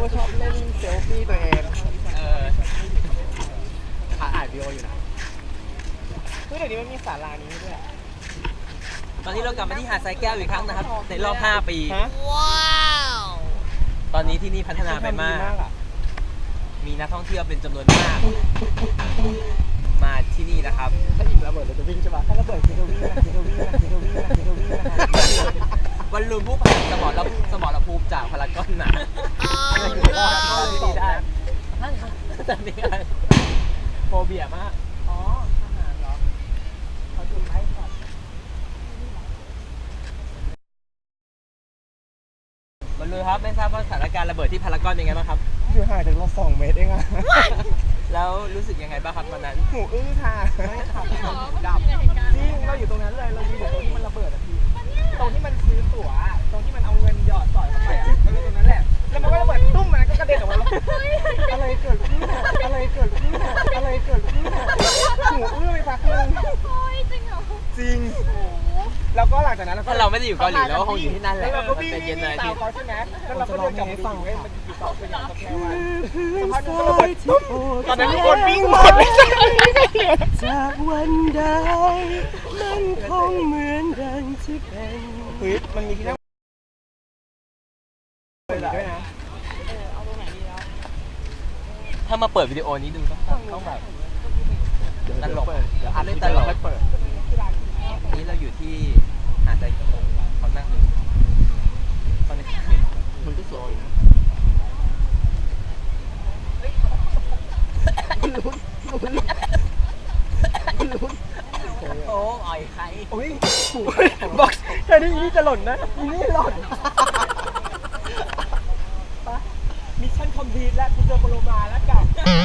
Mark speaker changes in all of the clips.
Speaker 1: ชอบเล่นเซลฟี่ตัวเองอ่านวิดีโออยู่นะเฮ้ยเดี๋ยวนี้มันมีศาลานี้ด้วย
Speaker 2: ตอนนี้เรากลับมาที่หาดทรายแก้วอีกครั้งนะครับในรอบ5 ปีว้าวตอนนี้ที่นี่พัฒนาไปมากมีนักท่องเที่ยวเป็นจำนวนมากมาที่นี่นะครับ
Speaker 1: ถ้าอีกระเบิดเราจะวิ่งใช่ปะถ้าระเบิดคือจะวิ่ง
Speaker 2: วันลุนผู้ผ่านสมรภูมิจากพารากอนนะอะไรคือรอดที่นี่ได้ตอนนี้โฟเบียมาก
Speaker 1: อ๋อทหารเหรอเขาจุดไล่ก่อน
Speaker 2: วันลุนครับไม่ทราบว่าสถานการณ์ระเบิดที่พารากอนเป็นไงบ้างครับ
Speaker 1: อยู่ห่างจากเรา2 เมตรเองอะ
Speaker 2: แล้วรู้สึกยังไงบ้างครับวันนั้น
Speaker 1: หูอื้อค่ะไม่ขับดับจริงเราอยู่ตรงนั้นเลยเราอยู่ตรงที่มันระเบิดอะพี่ตรงที่มันซื้อตั๋วตรงที่มันเอาเงินหยอดต่อยเข้าไปอะเราอยู่ตรงนั้นแหละแล้วมันก็ระเบิดตุ้มมันก็กระเด็นออกมาอะไรเกิดขึ้นหูอื้อไปพักนึงจริงแล้วก็หลังจากนั้น
Speaker 2: ถ้าเราไม่ได้อยู่เกาหลีเราก็คงอยู่ที่นั่นแหละ
Speaker 1: เราก็วิ่ง
Speaker 2: เย็นเลย
Speaker 1: ตามเขาใช่ไหมแล้วเราก็เดินกลับไปฟังมันอยู่ต่อไปอย่างแค่วันสักพักนึงก็ระเบิดตุ้มตอนนั้นทุกคนวิ่งหมดเลย
Speaker 2: จากวันใดมันคงเหมือนดังที่เป็น
Speaker 1: เฮ้ยมันมีที่นั่งด้วยนะเอาตรงไหนดีแล้ว
Speaker 2: ถ้ามาเปิดวิดีโอนี้ดูต้องแบบตลกเดี๋ยวอัดเล่นตลกนี้เราอยู่ที่หาดทรายเขานั่งดูตอนนี้มันก็สวยนะโอ้อ่อยใคร
Speaker 1: โอ้ยบอกแค่นี้นี่จะหล่นนะนี่หล่นมิชชั่นคอมพลีทแล้วคุณเจอโปโลมาแล้วกับ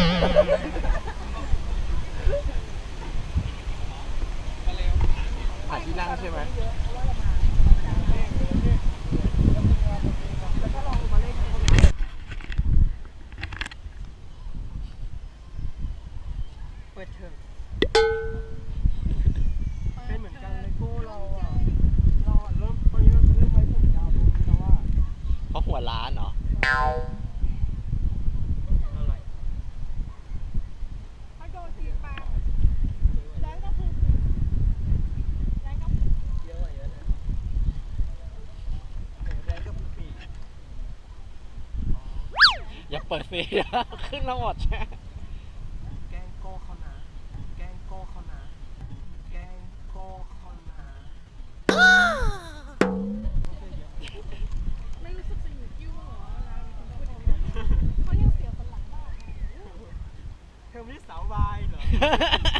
Speaker 1: หาที่นั่งใช่ไหมเปิดเทอมเป็นเหมือนกันเลยโก้เราเริ่มตอนนี้เราจะเริ่มไว้ผมยาวตรงนี้แล้วว่า
Speaker 2: เพราะหัวล้านเหรออย่าเปิดเฟซขึ้นแล้วหมดใช่
Speaker 1: แกงโก้เขานะ
Speaker 3: ไม่รู้สึกจะอยู่กิ้วเหรอเขายังเสียคนหลังบ้าง
Speaker 1: เธอไม่ได้สาววายเหรอ